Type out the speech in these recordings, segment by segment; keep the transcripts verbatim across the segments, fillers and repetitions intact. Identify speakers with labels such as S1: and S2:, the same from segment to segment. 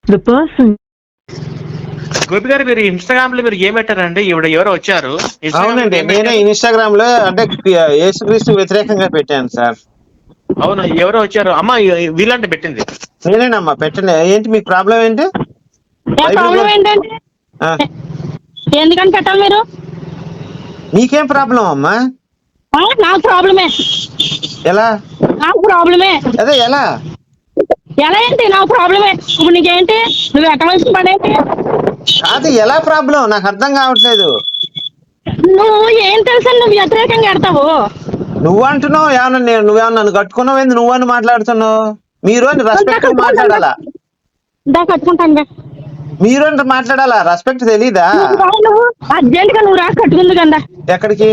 S1: The person.
S2: Gopi గారు మీరు Instagram లో మీరు ఏం పెట్టారండి? ఇవిడ ఎవరో వచ్చారు.
S3: అవునండి, నేనే ఇన్స్టాగ్రామ్ లో అంటే యేసుక్రీస్తు వ్యతిరేకంగా పెట్టాను సార్.
S2: అవును, ఎవరో వచ్చారు. అమ్మ వీళ్ళంటే పెట్టింది
S3: నేనేనమ్మా పెట్టండి. ఏంటి మీకు ప్రాబ్లం ఏంటి?
S4: ప్రాబ్లం ఏంటంటే ఎందుకని పెట్టాలి మీరు?
S3: నీకేం ప్రాబ్లం అమ్మా?
S4: నాకు ప్రాబ్లమే.
S3: ఎలా?
S4: నాకు ప్రాబ్లమే.
S3: అదే ఎలా
S4: ఎలా ఏంటి? నాకు ప్రాబ్లమే. ఇప్పుడు నీకేంటి? నువ్వు ఎక్కవలసిన పని ఏంటి?
S3: కాదు, ఎలా ప్రాబ్లం నాకు అర్థం కావట్లేదు.
S4: నువ్వు ఏం తెలుసా నువ్వు వ్యతిరేకంగా ఎడతావు?
S3: నువ్వు అంటున్నావు ఏమన్నా, నేను నువ్వేమన్నా నన్ను కట్టుకున్నావు ఏంది? నువ్వని మాట్లాడుతున్నావు. మీరు అని రెస్పెక్ట్ మాట్లాడాలా?
S4: దా కట్టుకుంటాను.
S3: మీరు అంటే మాట్లాడాలా? రెస్పెక్ట్ తెలీదా?
S4: నువ్వు అర్జెంట్ గా నువ్వు రా కట్టుకుంది కదా.
S3: ఎక్కడికి?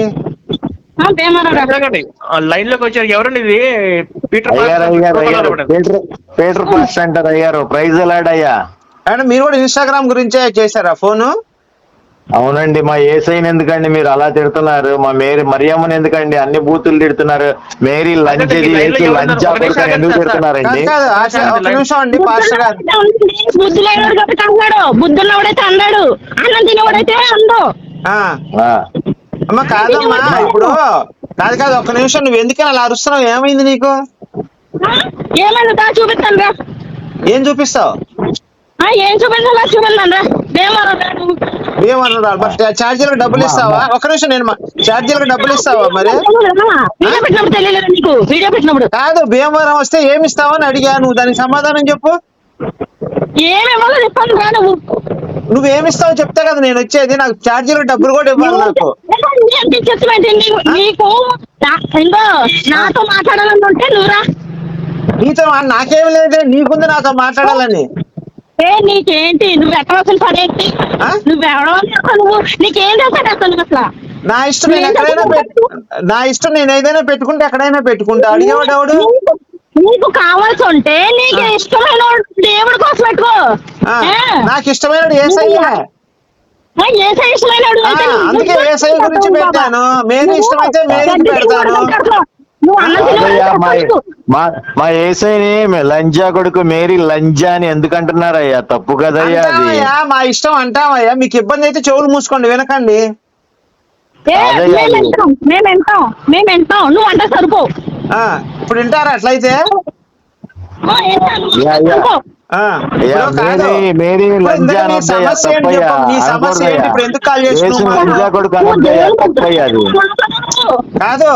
S2: లైన్ లోకి వచ్చారు. ఎవరండి ఇది? పీటర్
S5: పీటర్ పాస్ట్ అంటారు అయ్యారు. ప్రైజ్ ఎలాడ్ అయ్యా.
S3: అంటే మీరు కూడా ఇన్స్టాగ్రామ్ గురించే చేశారా ఫోను?
S5: అవునండి. మా ఏసైని ఎందుకండి మీరు అలా తిడుతున్నారు? మా మేరీ మరియమ్మని ఎందుకండి అన్ని బూతులు తిడుతున్నారు? మేరీ లంచది లంచా కొడుకు ఎందుకు తిడుతున్నారండి?
S3: ఒక నిమిషం అండి పాస్టర్ గారు.
S4: బుద్ధి లేనివాడు కాబట్టి అన్నాడు, బుద్ధి ఉన్నవాడైతే అన్నాడు, అన్నం తినేవాడైతే అందో.
S3: అమ్మ కాదమ్మా, ఇప్పుడు కాదు కాదు ఒక్క నిమిషం, నువ్వు ఎందుకని అలా అరుస్తున్నావు? ఏమైంది నీకు?
S4: ఏమైంది? దా చూపిస్తాను రా.
S3: ఏం చూపిస్తావు?
S4: ఏం చూపించాలా చూపిస్తాను రా.
S3: ఏమన్నాడు? ఛార్జీలకు డబ్బులు ఇస్తావా? ఒక నిమిషం, నేను ఛార్జీలకు డబ్బులు ఇస్తావా? మరి కాదు, భీమవరం వస్తే ఏమి ఇస్తావని అడిగా, నువ్వు దానికి సమాధానం చెప్పు.
S4: ఏమేమో చెప్పాను రా. నువ్వు
S3: నువ్వేమిస్తావో చెప్తే కదా నేను వచ్చేది. నాకు ఛార్జీలకు డబ్బులు కూడా ఇవ్వాలి. నాకు
S4: నీకు నాతో మాట్లాడాలని ఉంటే నువ్వురా.
S3: నీతో నాకేమి లేదే, నీకుంది నాతో మాట్లాడాలని.
S4: ఏ నీకేంటి? నువ్వు ఎక్కవలసిన పడేంటి? నువ్వెవడో నువ్వు నీకేం చేస్తాడు అసలు? అసలు
S3: నా ఇష్టం, నేను ఎక్కడైనా పెట్టు నా ఇష్టం నేను ఏదైనా పెట్టుకుంటే ఎక్కడైనా పెట్టుకుంటా. అడిగేవాడు ఎవడు?
S4: నీకు కావాల్సి ఉంటే నీకు ఇష్టమైన దేవుడి కోసం పెట్టుకో.
S3: నాకు ఇష్టమైన ఏసయ్యే.
S4: ఏసై ఇష్టమైన
S3: అందుకే ఏసై గురించి పెట్టాను. మేరీ ఇష్టమైతే మేరీకి పెడతాను.
S5: మా ఏసైని లంజా కొడుకు మేరీ లంజా అని ఎందుకంటున్నారయ్యా? తప్పు కదయ్యా అది.
S3: మా ఇష్టం అంటామయ్యా. మీకు ఇబ్బంది అయితే చెవులు మూసుకోండి, వినకండి.
S4: మేము ఎంటాం మేము ఎంటాం నువ్వు అంటే సరిపో.
S3: ఇప్పుడు వింటారా అట్లయితే? కాదు,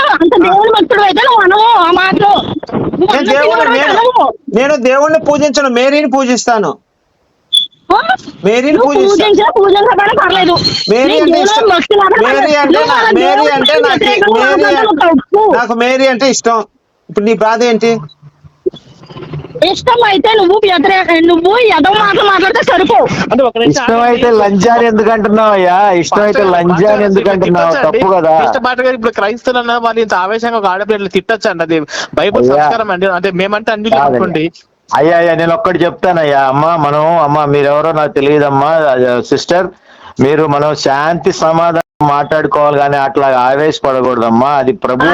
S3: నేను దేవుణ్ణి పూజించను, మేరీని పూజిస్తాను. మేరీని పూజిస్తాను. మేరీ అంటే ఇష్టం. మేరీ అంటే మేరీ అంటే నాకు మేరీ నాకు మేరీ అంటే ఇష్టం. ఇప్పుడు నీ బాధ ఏంటి?
S4: ఇష్టం అయితే నువ్వు వ్యతిరేక నువ్వు ఎదో మాటలు మాట్లాడితే సరిపో.
S5: ఇష్టం అయితే లంజాని ఎందుకు అంటున్నావు అయ్యా? ఇష్టం అయితే లంజాని ఎందుకు అంటున్నావు? తప్పు కదా.
S2: ఇప్పుడు క్రైస్తవులు వాళ్ళు ఇంత ఆవేశంగా ఒక ఆడపిల్లలు తిట్టచ్చు అండి. అది బైబుల్ సంస్కారం అండి. అంటే మేమంటే అన్ని అనుకోండి.
S5: అయ్యా అయ్యా నేను ఒక్కటి చెప్తానయ్యా. అమ్మా మనం అమ్మ మీరెవరో నాకు తెలియదమ్మా సిస్టర్. మీరు మనం శాంతి సమాధానం మాట్లాడుకోవాలి కానీ అట్లా ఆవేశపడకూడదమ్మా. అది ప్రభు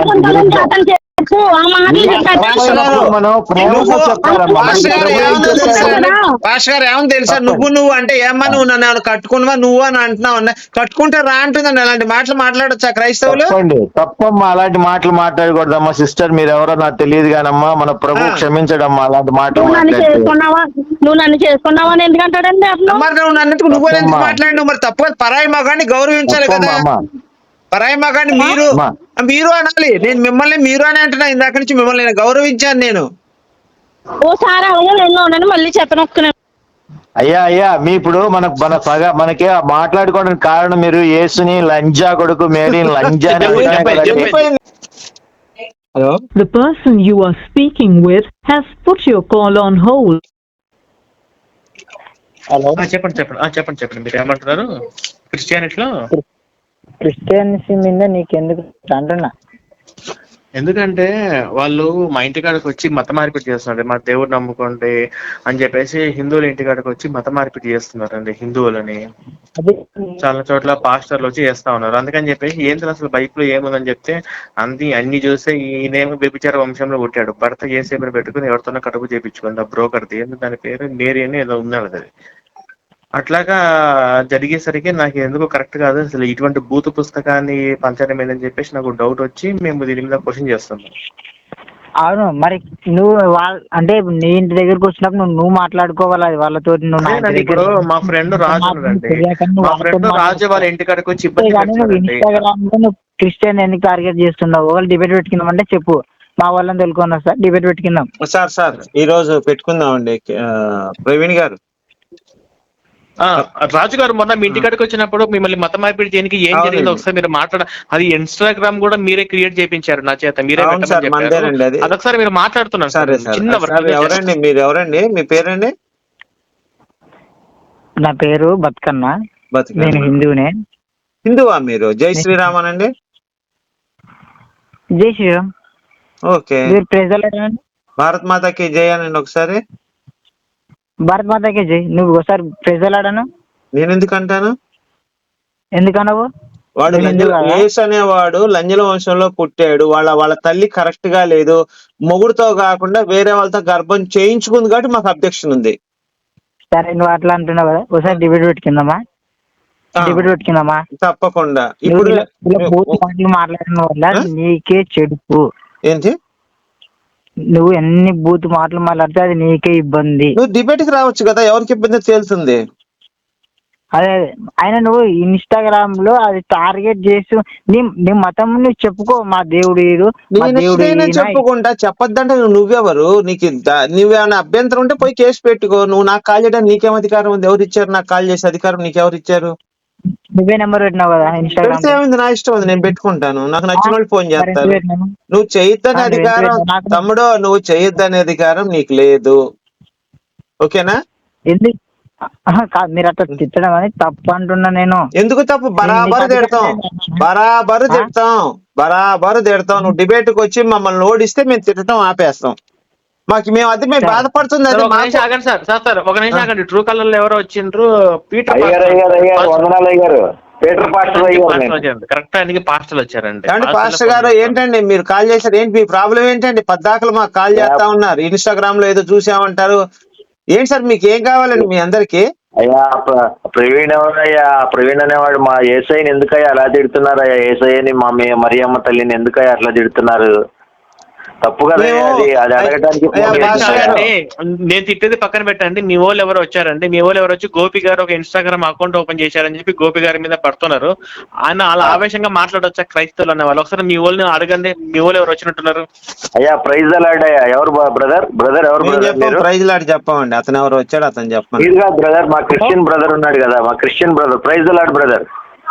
S3: పాస్టర్ గారు ఏమని తెలుసా? నువ్వు నువ్వు అంటే ఏమన్నా నువ్వు నన్ను కట్టుకున్నావా నువ్వు అని అంటున్నావు. కట్టుకుంటే రా అంటుందండి. అలాంటి మాటలు మాట్లాడొచ్చా క్రైస్తవులు?
S5: తప్పమ్మా, అలాంటి మాటలు మాట్లాడకూడదమ్మా సిస్టర్. మీరు ఎవరో నాకు తెలియదు కానమ్మా. మన ప్రభు క్షమించడమ్మా అలాంటి మాటలు.
S4: నువ్వు నన్ను చేసుకున్నావని ఎందుకంటాడండి?
S3: మరి నువ్వు నన్ను నువ్వు ఎందుకు మాట్లాడినావు? మరి తప్పు. పరాయి మగాన్ని గౌరవించాలి కదా. పరాయి మగాన్ని మీరు మీరు అనాలి. నేను మిమ్మల్ని మీరు అని అంటున్నా. ఇందాక నుంచి మిమ్మల్ని నేను గౌరవించాను. నేను
S4: ఓసారి అలాగే మళ్ళీ చెప్పను.
S5: అయ్యా అయ్యా మీ ఇప్పుడు మన మన పగ మనకి మాట్లాడుకోవడానికి కారణం మీరు యేసుని లంజా కొడుకు మేరీని లంజా.
S1: Hello? The person you are speaking with has put your call on hold.
S2: Hello, చెప్పండి చెప్పండి చెప్పండి చెప్పండి మీరు ఏమంటున్నారు? క్రిస్టియానిటీలో
S6: క్రిస్టియన్సీ మీద నీకెందుకు అంటున్నా?
S2: ఎందుకంటే వాళ్ళు మా ఇంటికాడికి వచ్చి మత మార్పిడి చేస్తున్నారు, మా దేవుడు నమ్ముకోండి అని చెప్పేసి హిందువుల ఇంటికాడికి వచ్చి మత మార్పిడి చేస్తున్నారండి హిందువులని. చాలా చోట్ల పాస్టర్లు వచ్చి చేస్తా ఉన్నారు. అందుకని చెప్పేసి ఏంటి అసలు బైబిల్ ఏముందని చెప్తే అన్ని అన్ని చూస్తే ఈయనేమో వ్యభిచార వంశంలో పుట్టాడు, భర్త ఏసేపుని పెట్టుకుని ఎవరితోనో కడుపు చేపించుకుంది ఆ బ్రోకర్ది, ఎందుకు దాని పేరు మేరీ అని ఏదో ఉన్నాడు అది. అట్లాగా జరిగేసరికి నాకు ఎందుకు కరెక్ట్ కాదు, అసలు ఇటువంటి భూత పుస్తకాన్ని పంచడం ఏందని చెప్పేసి నాకు డౌట్ వచ్చి మేము దీని మీద క్వశ్చన్ చేస్తున్నాం.
S6: అవును, మరి నువ్వు వాళ్ళ అంటే నీ ఇంటి దగ్గరకు వచ్చినప్పుడు నువ్వు నువ్వు మాట్లాడుకోవాలి అది వాళ్ళతో.
S2: ఇప్పుడు మా ఫ్రెండ్ రాజు ఉన్నాడండి, మా ఫ్రెండ్ రాజు వాళ్ళ ఇంటికాడికి వచ్చి ఇబ్బంది
S6: ఇన్స్టాగ్రామ్ లో నువ్వు క్రిస్టియన్ ఎందుకు టార్గెట్ చేస్తున్నావు? వాళ్ళు డిబేట్ పెట్టుకుందాం అంటే చెప్పు, మా వాళ్ళని తెలుసుకున్నా సార్ డిబేట్ పెట్టుకుందాం.
S3: సార్ సార్ ఈ రోజు పెట్టుకుందాం అండి ప్రవీణ్ గారు.
S2: రాజు గారు మొన్న మీ ఇంటికాడికి వచ్చినప్పుడు మిమ్మల్ని మత మార్పిడి చేయడానికి ఏం జరిగిందో ఒకసారి మీరు మాట్లాడ, అది ఇన్స్టాగ్రామ్ కూడా మీరే క్రియేట్ చేయించారు నా చేత, మీరే అదొకసారి మీరు మాట్లాడుతున్నారు సార్. చిన్న
S3: ఎవరండి మీరు? ఎవరండి మీ పేరండి?
S6: నా పేరు బతుకన్న, నేను హిందువునే.
S3: హిందువా మీరు? జై శ్రీరామ్ అనండి.
S6: జై శ్రీరామ్.
S3: ఓకే, భారత్ మాతాకి జై అనండి ఒకసారి.
S6: భారత్ మాతాకి జై. నువ్వు ఒకసారి ప్రెజలాడాను.
S3: నేను ఎందుకు అంటాను?
S6: ఎందుకన్నావు?
S3: వాడు యేసు అనేవాడు లంజల వంశంలో పుట్టాడు, వాళ్ళ వాళ్ళ తల్లి కరెక్ట్ గా లేదు, మొగుడుతో కాకుండా వేరే వాళ్ళతో గర్భం చేయించుకుంది కాబట్టి మాకు అబ్జెక్షన్ ఉంది.
S6: సరే నువ్వు అట్లా అంటున్నావు కదా, ఒకసారి డిబేట్ పెట్టుకుందామా? డిబేట్ పెట్టుకుందామా?
S3: తప్పకుండా. ఇప్పుడు
S6: మాట్లాడిన వల్ల నీకే చెడుపు.
S3: ఏంటి?
S6: నువ్వు ఎన్ని బూత్ మాటలు మాట్లాడితే అది నీకే ఇబ్బంది.
S3: నువ్వు డిబేట్ కి రావచ్చు కదా, ఎవరికి ఇబ్బంది తేలుతుంది.
S6: అదే ఆయన నువ్వు ఇన్స్టాగ్రామ్ లో అది టార్గెట్ చేసి నీ నీ మతం నువ్వు చెప్పుకో, మా దేవుడు
S3: చెప్పుకుంటా. చెప్పొద్దంటే నువ్వెవరు? నీకు నువ్వేమైనా అభ్యంతరం ఉంటే పోయి కేసు పెట్టుకో. నువ్వు నాకు కాల్ చేయడానికి నీకేం అధికారం ఉంది? ఎవరు ఇచ్చారు నాకు కాల్ చేసే అధికారం? నీకెవరు ఇచ్చారు?
S6: నువ్వే నెంబర్ పెట్టినావు కదా ఇన్స్టాగ్రామ్.
S3: ఏమైంది? నా ఇష్టం ఉంది, నేను పెట్టుకుంటాను. నాకు నచ్చిన వాళ్ళు ఫోన్ చేస్తారు. నువ్వు చేయొద్దనే అధికారం తమ్ముడో, నువ్వు చేయొద్దనే అధికారం నీకు లేదు. ఓకేనా?
S6: ఎందుకు మీరు అట్లా తిట్టడం అని తప్పు అంటున్నా నేను.
S3: ఎందుకు తప్పు? బరాబరు తిడతాం, బరాబరు తిడతాం, బరాబరు తిడతాం. నువ్వు డిబేట్ కి వచ్చి మమ్మల్ని ఓడిస్తే మేము తిట్టడం ఆపేస్తాం. మాకు మేము అది మేము బాధపడుతుంది.
S2: ఒక నిమిషం ఆగండి సార్, సార్ సార్ ఒక నిమిషం ఆగండి. ట్రూ కలర్ లో ఎవరో వచ్చిండ్రు, పీటర్ కరెక్ట్ ఆయనకి పాస్టర్లు వచ్చారండి.
S3: పాస్టర్ గారు ఏంటండి మీరు కాల్ చేశారు? ఏంటి మీ ప్రాబ్లం ఏంటండి? పద్దాకలు మాకు కాల్ చేస్తా ఉన్నారు, ఇన్స్టాగ్రామ్ లో ఏదో చూసామంటారు. ఏంటి సార్ మీకు ఏం కావాలండి మీ అందరికి?
S5: అయ్యా ప్రవీణ్ ఎవరయ్యా? ప్రవీణ్ అనేవాడు మా ఏసైని ఎందుకయ్యా అలా తిడుతున్నారు? అయ్యా ఏసైని మా మరియమ్మ తల్లిని ఎందుకయ్యా అట్లా తిడుతున్నారు? తప్పు కదా అది, అది అడగడానికి.
S2: నేను తిట్టేది పక్కన పెట్టండి. మీ వాళ్ళు ఎవరు వచ్చారండి? మీ వాళ్ళు ఎవరు వచ్చి గోపి గారు ఒక ఇన్స్టాగ్రామ్ అకౌంట్ ఓపెన్ చేశారని చెప్పి గోపి గారి మీద పడుతున్నారు. ఆయన అలా ఆవేశంగా మాట్లాడొచ్చా క్రైస్తవులు అనే వాళ్ళు? ఒకసారి మీ వాళ్ళని అడగండి, మీ వాళ్ళు ఎవరు వచ్చినట్టున్నారు?
S5: అయ్యా ప్రైజ్ లాడ్ అయ్యా. ఎవరు బ్రదర్? బ్రదర్ ఎవరు?
S3: ప్రైజ్ లాడ్ చెప్పండి. అతను ఎవరు వచ్చాడు అతను చెప్పండి.
S5: మీరు కాదు బ్రదర్, మా క్రిస్టియన్ బ్రదర్ ఉన్నాడు కదా, మా Christian brother. Praise Lord brother.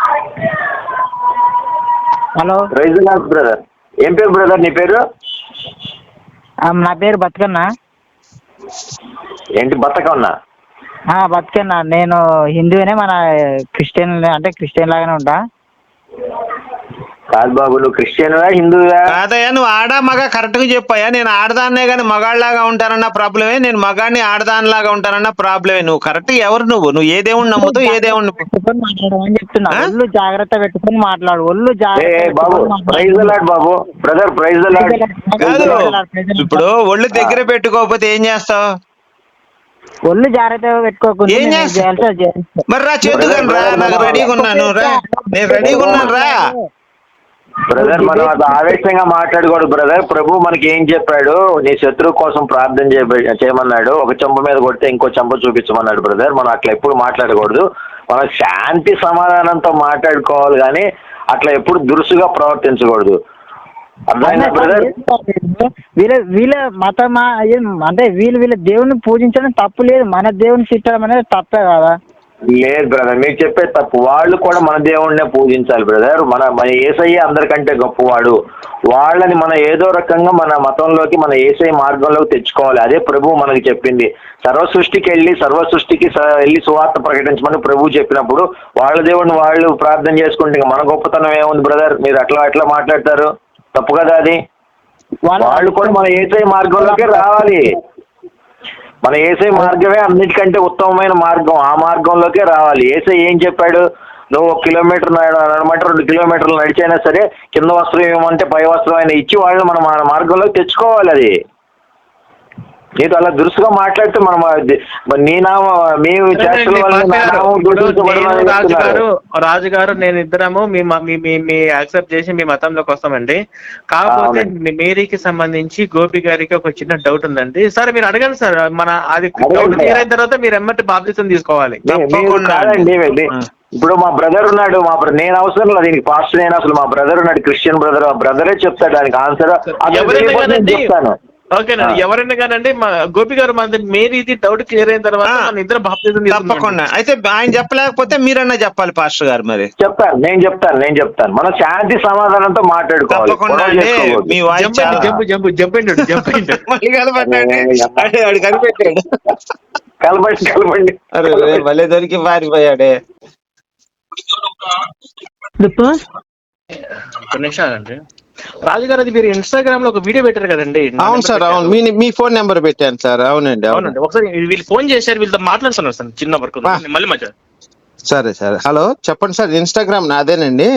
S6: Hello,
S5: praise Lord brother. ఏం పేరు బ్రదర్ నీ పేరు?
S6: నా పేరు బతుకన్న.
S5: ఏంటి బతకన్నా?
S6: బతుకన్న. నేను హిందువునే, మన క్రిస్టియన్ అంటే క్రిస్టియన్ లాగానే ఉంటా.
S5: కాదు బాబు, నువ్వు క్రిస్టియన్వా హిందువా?
S3: కాదయ్యా, నువ్వు ఆడా మగ కరెక్ట్ గా చెప్పాయా. నేను ఆడదాన్నే కానీ మగాళ్ళలాగా ఉంటానన్న ప్రాబ్లమే, నేను మగాడిని ఆడదానిలాగా ఉంటానన్న ప్రాబ్లమే. నువ్వు కరెక్ట్ ఎవరు? నువ్వు నువ్వు ఏ దేవుడిని నమ్ముతావు? ఏ దేవుడిని
S6: మాట్లాడమని చెప్తున్నా. ఒళ్ళు జాగ్రత్త పెట్టుకుని మాట్లాడు. ఒళ్ళు
S5: బాబు. ప్రైజ్ లాడ్ బాబు, బ్రదర్ ప్రైజ్ లాడ్.
S3: కాదు, ఇప్పుడు ఒళ్ళు దగ్గర పెట్టుకోకపోతే ఏం చేస్తావు?
S6: ఒళ్ళు జాగ్రత్తగా పెట్టుకోకుండా
S3: ఏం చేస్తావు? మరి రా చేతుకొని రా, నాకు రెడీగా ఉన్నాను రా, నేను రెడీగా ఉన్నాను రా.
S5: బ్రదర్ మనం అది ఆవేశంగా మాట్లాడకూడదు బ్రదర్. ప్రభు మనకి ఏం చెప్పాడు? నీ శత్రువు కోసం ప్రార్థన చేయమన్నాడు. ఒక చెంప మీద కొడితే ఇంకో చెంప చూపించమన్నాడు బ్రదర్. మనం అట్లా ఎప్పుడు మాట్లాడకూడదు. మనం శాంతి సమాధానంతో మాట్లాడుకోవాలి, కానీ అట్లా ఎప్పుడు దురుసుగా ప్రవర్తించకూడదు. అర్థమైందా బ్రదర్?
S6: వీళ్ళ వీళ్ళ మతమా అంటే వీళ్ళు వీళ్ళ దేవుని పూజించడం తప్పు లేదు, మన దేవుని తిట్టడం అనేది తప్పే కదా.
S5: లేదు బ్రదర్, మీరు చెప్పేది తప్పు. వాళ్ళు కూడా మన దేవుడినే పూజించాలి బ్రదర్. మన మన యేసయ్య అందరికంటే గొప్పవాడు. వాళ్ళని మనం ఏదో రకంగా మన మతంలోకి, మన యేసయ్య మార్గంలోకి తెచ్చుకోవాలి. అదే ప్రభు మనకి చెప్పింది. సర్వ సృష్టికి వెళ్ళి సర్వ సృష్టికి వెళ్ళి సువార్త ప్రకటించమని ప్రభు చెప్పినప్పుడు వాళ్ళ దేవుడిని వాళ్ళు ప్రార్థన చేసుకుంటే మన గొప్పతనం ఏముంది బ్రదర్? మీరు అట్లా అట్లా మాట్లాడతారు, తప్పు కదా అది. వాళ్ళు కూడా మన ఏసై మార్గంలోకి రావాలి. మన ఏసై మార్గమే అన్నిటికంటే ఉత్తమమైన మార్గం. ఆ మార్గంలోకే రావాలి. ఏసై ఏం చెప్పాడు? నువ్వు ఒక కిలోమీటర్ నడమంటే రెండు కిలోమీటర్లు నడిచైనా సరే కింద వస్త్రం ఏమంటే పై వస్త్రం అయినా ఇచ్చి వాళ్ళు మన మార్గంలోకి తెచ్చుకోవాలి. అది నీతో అలా దురుసుగా మాట్లాడితే మనం నీ నామ మేము
S2: రాజుగారు రాజుగారు నేను ఇద్దరము మీ యాక్సెప్ట్ చేసి మీ మతంలోకి వస్తామండి. కాకపోతే మేరీకి సంబంధించి గోపి గారికి ఒక చిన్న డౌట్ ఉందండి. సరే మీరు అడగండి సార్. మన అది డౌట్ క్లియర్ అయిన తర్వాత మీరు ఎమ్మటి బాప్తిసం తీసుకోవాలి.
S5: ఇప్పుడు మా బ్రదర్ ఉన్నాడు. మా నేను అవసరం లేదు దీనికి పాస్టర్. నేను అసలు మా బ్రదర్ ఉన్నాడు, క్రిస్టియన్ బ్రదర్. ఆ బ్రదరే చెప్తాడు దానికి ఆన్సర్. చెప్తాను.
S2: ఓకేనండి. ఎవరైనా కానండి మా గోపి గారు మన మేరీది డౌట్ క్లియర్ అయిన తర్వాత మన ఇద్దరు బాప్తిజం
S3: తప్పకుండా. అయితే ఆయన చెప్పలేకపోతే మీరన్నా చెప్పాలి పాస్టర్ గారు. మరి
S5: చెప్తాను, నేను చెప్తాను నేను చెప్తాను మనం శాంతి సమాధానంతో మాట్లాడుకోవాలి.
S3: మీ voice
S2: jump jump jump jump
S3: కనిపెట్టాడు
S5: కలపండి కలపండి.
S3: అరే భలే దొరికి పారిపోయాడే.
S2: ఒక నిమిషాలండి. రాజుగారు అది మీరు ఇన్స్టాగ్రామ్ లో ఒక వీడియో పెట్టారు కదండి?
S3: అవును సార్, అవును. మీ మీ ఫోన్ నెంబర్ పెట్టాను సార్. అవునండి
S2: అవునండి. ఒకసారి వీళ్ళు ఫోన్ చేశారు, వీళ్ళతో మాట్లాడుతున్నారు సార్. చిన్న వర్క్ మళ్ళీ మధ్య.
S3: సరే సరే. హలో చెప్పండి సార్. ఇన్స్టాగ్రామ్ నాదేనండి.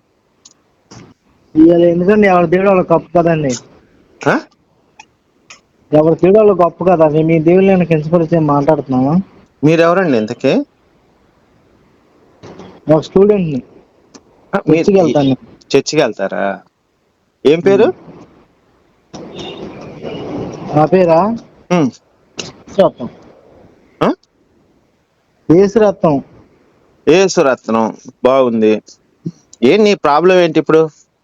S6: ఎందుకండి ఎవరి దేవుడు వాళ్ళ గొప్ప కదండి. ఎవరి దేవుడు వాళ్ళ గొప్ప కదా. మీ దేవుడు నేను కించపరిచే మాట్లాడుతున్నామా?
S3: మీరెవరండి ఇంతకీ?
S6: ఒక స్టూడెంట్ ని. చర్చికి వెళ్తాను.
S3: చర్చికి వెళ్తారా? ఏం పేరు?
S6: నా పేరా రత్నం. యేసురత్నం.
S3: యేసురత్నం బాగుంది. ఏం నీ ప్రాబ్లం ఏంటి ఇప్పుడు?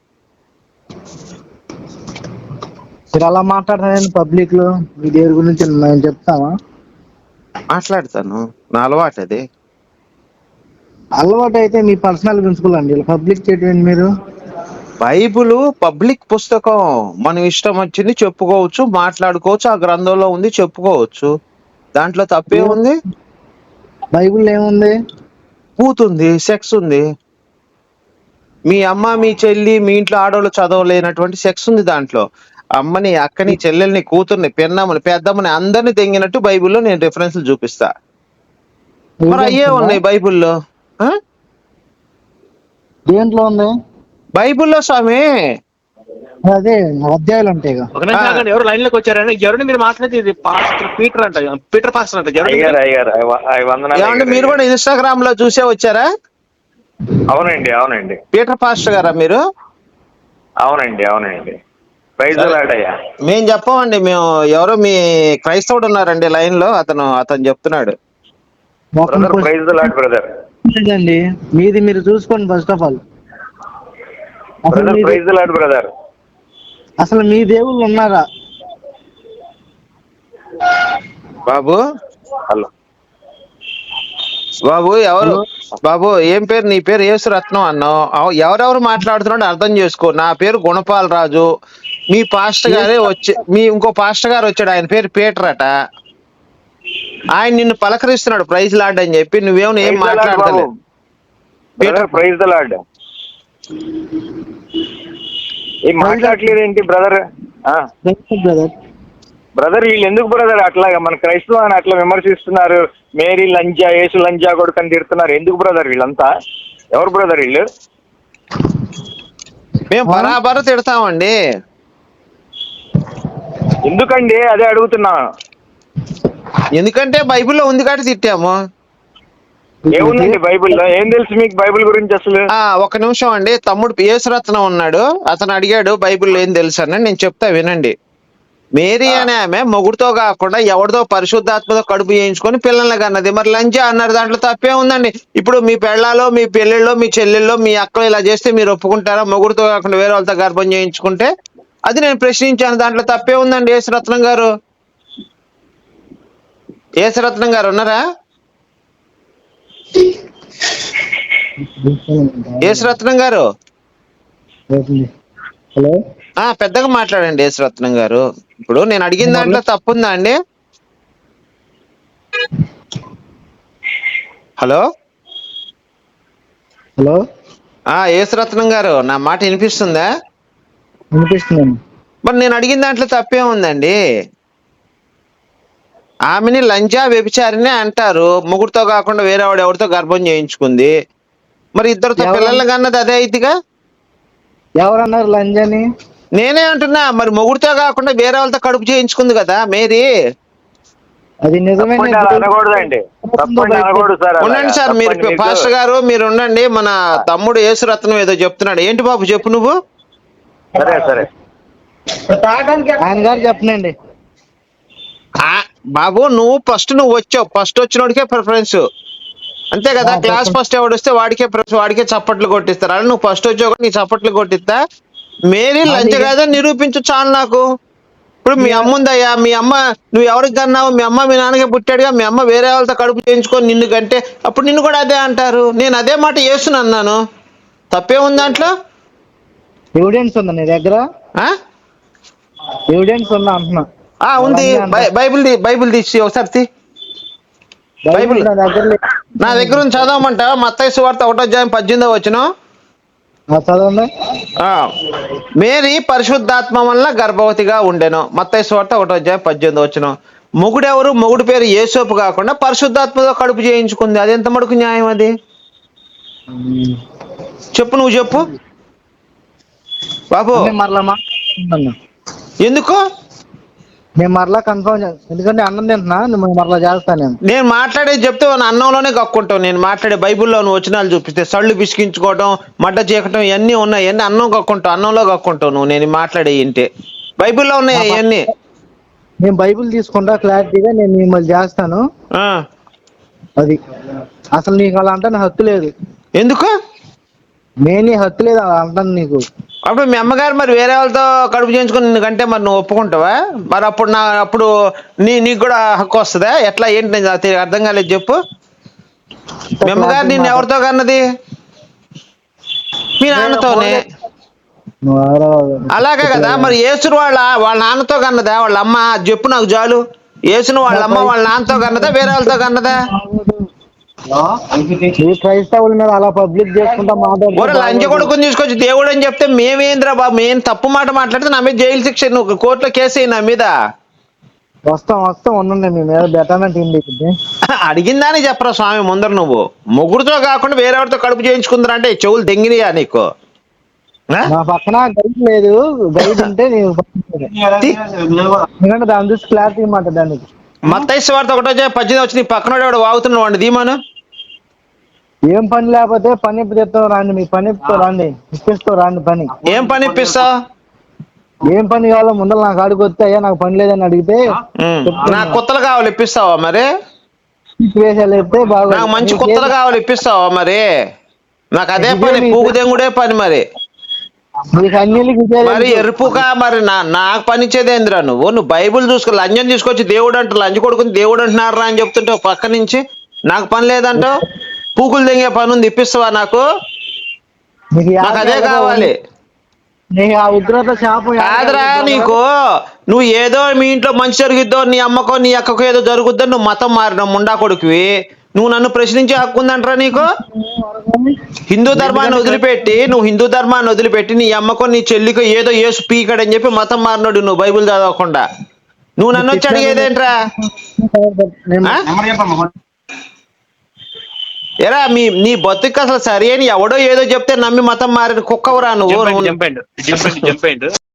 S6: మీరు అలా మాట్లాడతానండి పబ్లిక్ లో. మీ దేవుడి గురించి నేను చెప్తావా?
S3: మాట్లాడతాను, నా అలవాటు అది.
S6: అలవాటు అయితే మీ పర్సనల్ పెంచుకోవాలండి. పబ్లిక్ చేయటం మీరు.
S3: బైబుల్ పబ్లిక్ పుస్తకం. మనం ఇష్టం వచ్చింది చెప్పుకోవచ్చు, మాట్లాడుకోవచ్చు. ఆ గ్రంథంలో ఉంది, చెప్పుకోవచ్చు. దాంట్లో తప్పే ఉంది?
S6: బైబుల్ ఏముంది?
S3: కూతుంది, సెక్స్ ఉంది. మీ అమ్మ, మీ చెల్లి, మీ ఇంట్లో ఆడవాళ్ళు చదవలేనటువంటి సెక్స్ ఉంది దాంట్లో. అమ్మని, అక్కని, చెల్లెల్ని, కూతుర్ని, పెన్నమ్మని, పెద్దమ్మని అందరిని తెంగినట్టు బైబుల్లో నేను రిఫరెన్స్లు చూపిస్తా. మరి అయ్యే ఉన్నాయి బైబుల్లో.
S6: దేంట్లో ఉంది?
S3: బైబుల్లో స్వామి.
S6: అదే అధ్యాయులు ఉంటాయి.
S2: ఎవరు లైన్ లోకి వచ్చారని ఎవరిని మీరు మాట్లాడేది? పాస్టర్ పీటర్ అంట, పీటర్ పాస్టర్ అంట.
S5: ఏమండి
S3: మీరు కూడా ఇన్స్టాగ్రామ్ లో చూసే వచ్చారా?
S5: అవునండి అవునండి.
S3: పీటర్ పాస్టర్ గారా మీరు?
S5: అవునండి అవునండి.
S3: మేము చెప్పమండి. మేము ఎవరో మీ క్రైస్తవుడు ఉన్నారండి లైన్ లో, అతను అతను చెప్తున్నాడు.
S6: లేదండి, మీది మీరు చూసుకోండి. ఫస్ట్ ఆఫ్ ఆల్ అసలు మీ దేవుళ్ళు ఉన్నారా
S3: బాబు?
S5: హలో
S3: బాబు ఎవరు? బాబు ఏం పేరు? నీ పేరు యేసురత్నం అన్నావు. ఎవరెవరు మాట్లాడుతున్నాడు అర్థం చేసుకో. నా పేరు గుణపాల్ రాజు. మీ పాస్టర్ గారే వచ్చి మీ ఇంకో పాస్టర్ గారు వచ్చాడు, ఆయన పేరు పీటర్ అట. ఆయన నిన్ను పలకరిస్తున్నాడు ప్రైజ్ లార్డ్ అని చెప్పి. నువ్వేమో ఏం మాట్లాడతావు?
S5: ప్రైజ్ ద లార్డ్ ఏం మాట్లాడలేదు ఏంటి బ్రదర్? బ్రదర్ వీళ్ళు ఎందుకు బ్రదర్ అట్లాగా మన క్రైస్తవాన్ని అట్లా విమర్శిస్తున్నారు? మేరీ లంజా, యేసు లంజా కొడుకని తిడుతున్నారు. ఎందుకు బ్రదర్ వీళ్ళంతా? ఎవరు బ్రదర్ వీళ్ళు?
S3: మేము బరాబరు తిడతామండి.
S5: ఎందుకండి అదే అడుగుతున్నా.
S3: ఎందుకంటే బైబిల్లో ఉంది కాబట్టి తిట్టాము.
S5: ఏముందండి బైబిల్లో? ఏం తెలుసు మీకు బైబిల్ గురించి అసలు?
S3: ఒక నిమిషం అండి. తమ్ముడు యేసురత్నం ఉన్నాడు, అతను అడిగాడు బైబిల్లో ఏం తెలుసు అని. నేను చెప్తా వినండి. మేరీ అనే ఆమె మొగుడుతో కాకుండా ఎవరితో పరిశుద్ధాత్మతో కడుపు చేయించుకొని పిల్లల్ని కన్నది. మరి లంజా అన్నారు, దాంట్లో తప్పే ఉందండి. ఇప్పుడు మీ పెళ్ళాలో, మీ పెళ్ళిళ్ళో, మీ చెల్లెల్లో, మీ అక్కలు ఇలా చేస్తే మీరు ఒప్పుకుంటారా? మొగుడుతో కాకుండా వేరే వాళ్ళతో గర్భం చేయించుకుంటే? అది నేను ప్రశ్నించాను. దాంట్లో తప్పే ఉందండి. యేసురత్నం గారు, యేసురత్నం గారు ఉన్నారా? యేసురత్నం గారు
S6: హలో,
S3: పెద్దగా మాట్లాడండి యేసురత్నం గారు. ఇప్పుడు నేను అడిగిన దాంట్లో తప్పుందా అండి? హలో
S6: హలో
S3: యేసురత్నం గారు, నా మాట వినిపిస్తుందా?
S6: వినిపిస్తుందండి.
S3: మరి నేను అడిగిన దాంట్లో తప్పే ఉందండి. ఆమెని లంజా వ్యభిచారిని అంటారు, ముగ్గురితో కాకుండా వేరే వాడు ఎవరితో గర్భం చేయించుకుంది. మరి ఇద్దరితో పిల్లలు కన్నది అదే అయిద్దిగా.
S6: ఎవరన్నారు లంజని?
S3: నేనే అంటున్నా, మరి మొగుడితో కాకుండా వేరే వాళ్ళతో కడుపు చేయించుకుంది కదా మేరీ.
S6: అది నిజమే.
S5: అనకూడదండి,
S3: ఉండండి సార్, మీరు పాస్టర్ గారు మీరు ఉండండి. మన తమ్ముడు యేసురత్నం ఏదో చెప్తున్నాడు. ఏంటి బాబు చెప్పు నువ్వు.
S5: సరే సరే
S6: ఆయన గారు చెప్పనండి.
S3: బాబు నువ్వు ఫస్ట్ నువ్వు వచ్చావు, ఫస్ట్ వచ్చినోడికే ప్రిఫరెన్స్ అంతే కదా. క్లాస్ ఫస్ట్ ఎవడు వస్తే వాడికే వాడికే చప్పట్లు కొట్టిస్తారు. అలా నువ్వు ఫస్ట్ వచ్చావు నీ చప్పట్లు కొట్టిస్తా. మేరీ లంచ కాదని నిరూపించు చాలు నాకు. ఇప్పుడు మీ అమ్మ ఉందయ్యా, మీ అమ్మ నువ్వు ఎవరికి కన్నావు, మీ అమ్మ మీ నాన్నకే పుట్టాడుగా, మీ అమ్మ వేరే వాళ్ళతో కడుపు చేయించుకొని నిన్ను కంటే అప్పుడు నిన్ను కూడా అదే అంటారు. నేను అదే మాట చేస్తున్నా అన్నాను, తప్పే ఉంది దాంట్లో.
S6: ఎవిడెన్స్ ఉందా నీ దగ్గర? ఎవిడెన్స్ ఉందా అంటున్నా.
S3: ఉంది, బైబిల్ బైబిల్ తీసి ఒకసారి తీ. బైబిల్ నా దగ్గర ఉంది, చదవమంటా. మత్తయి సువార్త ఒకటో అధ్యాయం పద్దెనిమిదో వచనం
S6: చదవండి.
S3: మేరీ పరిశుద్ధాత్మ వల్ల గర్భవతిగా ఉండెను. మత్తయి సువార్త ఒకటో అధ్యాయం పద్దెనిమిదో వచనం. మొగుడెవరు? మొగుడు పేరు యేసోపు కాకుండా పరిశుద్ధాత్మతో కడుపు చేయించుకుంది. అది ఎంత మటుకు న్యాయం? అది చెప్పు, నువ్వు చెప్పు బాబు. ఎందుకు
S6: నేను మరలా కన్ఫర్మ్ చేస్తాను, ఎందుకంటే అన్నం తింటున్నా, నువ్వు మరలా చేస్తాను.
S3: నేను మాట్లాడేది చెప్తే అన్నంలోనే కక్కుంటావు. నేను మాట్లాడే బైబిల్లో నువ్వు వచనాలు చూపిస్తే సళ్ళు పిసికించుకోవడం, మడ్డ చీకటం ఇవన్నీ ఉన్నాయి. ఇవన్నీ అన్నం కక్కుంటావు, అన్నంలో కక్కుంటావు నువ్వు. నేను మాట్లాడే ఇంటే బైబిల్లో ఉన్నాయి ఇవన్నీ.
S6: నేను బైబిల్ తీసుకుంటా క్లారిటీగా, నేను మిమ్మల్ని చేస్తాను. అది అసలు నీకు అలా అంటే హక్కు లేదు.
S3: ఎందుకు?
S6: నేను హక్కు లేదు అలా అంటాను నీకు.
S3: అప్పుడు మీ అమ్మగారు మరి వేరే వాళ్ళతో కడుపు చేయించుకుని నిన్నుకంటే మరి నువ్వు ఒప్పుకుంటావా? మరి అప్పుడు నా అప్పుడు నీ నీకు కూడా హక్కు వస్తుందా? ఎట్లా ఏంటి? నేను అర్థం కాలేదు, చెప్పు. మీ అమ్మగారు నిన్ను ఎవరితో కన్నది? మీ నాన్నతోనే. అలాగే కదా. మరి యేసును వాళ్ళ వాళ్ళ నాన్నతో కన్నదా వాళ్ళ అమ్మ? చెప్పు నాకు చాలు. యేసును వాళ్ళ అమ్మ వాళ్ళ నాన్నతో కన్నదా వేరే వాళ్ళతో కన్నదా?
S6: క్రైస్తవుల మీద అలా పబ్లిక్ చేసుకుంటా మాట్లాడు.
S3: లంచ కొడుకుని తీసుకొచ్చి దేవుడు అని చెప్తే మేమేంద్రా బాబు, మేము తప్పు మాట మాట్లాడితే నా మీద జైలు శిక్ష, నువ్వు కోర్టులో కేసు అయ్యి నా మీద.
S6: వస్తాం వస్తాం ఉండండి, మీ మీద బెటర్మెంట్
S3: అడిగిందని చెప్పరా స్వామి ముందర. నువ్వు ముగ్గురుతో కాకుండా వేరేవాడితో కడుపు చేయించుకుందరా అంటే చెవులు దెంగినాయా నీకు?
S6: నా పక్కన గైడ్ లేదు, గైడ్ ఉంటే ఎందుకంటే దాని చూసి క్లారిటీ మాట. దానికి
S3: మత్తయి సువార్త ఒకటో పద్దెనిమిది వచ్చి నీ పక్కన వాడు వాగుతున్నావు అండి దీమాను.
S6: ఏం పని లేకపోతే పని ఇప్పిస్తావు రండి, మీ పని రండి ఇప్పిస్తావు రండి పని.
S3: ఏం పని ఇప్పిస్తావు?
S6: ఏం పని కావాలో ముందర నాకు అడిగి వస్తే అయ్యా నాకు పని లేదని అడిగితే
S3: నాకు కొత్తలు కావాలి ఇప్పిస్తావా? మరి
S6: చెప్తే బాగా
S3: నాకు మంచి కొత్తలు కావాలి ఇప్పిస్తావా? మరి నాకు అదే పని, పూగు దెంగుడే పని. మరి మరి ఎరుపుగా మరి నా నాకు పనిచ్చేదేంద్రా? నువ్వు నువ్వు బైబుల్ చూసుకో, లంజం తీసుకొచ్చి దేవుడు అంట లంచ కొడుకుని దేవుడు అంటున్నారా అని చెప్తుంటే పక్క నుంచి నాకు పని లేదంటావు. పూకులు తెంగే పని ఉంది, ఇప్పిస్తావా నాకు? నాకు అదే కావాలి. కాదురా నీకు, నువ్వు ఏదో మీ ఇంట్లో మంచి జరుగుద్దో, నీ అమ్మకో నీ అక్కకో ఏదో జరుగుద్దో నువ్వు మతం మారినావు ముండా కొడుకువి. నువ్వు నన్ను ప్రశ్నించే హక్కు ఉందంటారా నీకు? హిందూ ధర్మాన్ని వదిలిపెట్టి నువ్వు హిందూ ధర్మాన్ని వదిలిపెట్టి నీ అమ్మకో నీ చెల్లికో ఏదో యేసు పీకడని చెప్పి మతం మారినాడు నువ్వు బైబుల్ చదవకుండా. నువ్వు నన్ను వచ్చి అడిగేదేంట్రా? ఎరా మీ నీ బతుకు అసలు సరే అని ఎవడో ఏదో చెప్తే నమ్మి మతం మారిన కుక్కవరా నువ్వు.
S2: చెప్పండి చెప్పండి చెప్పండి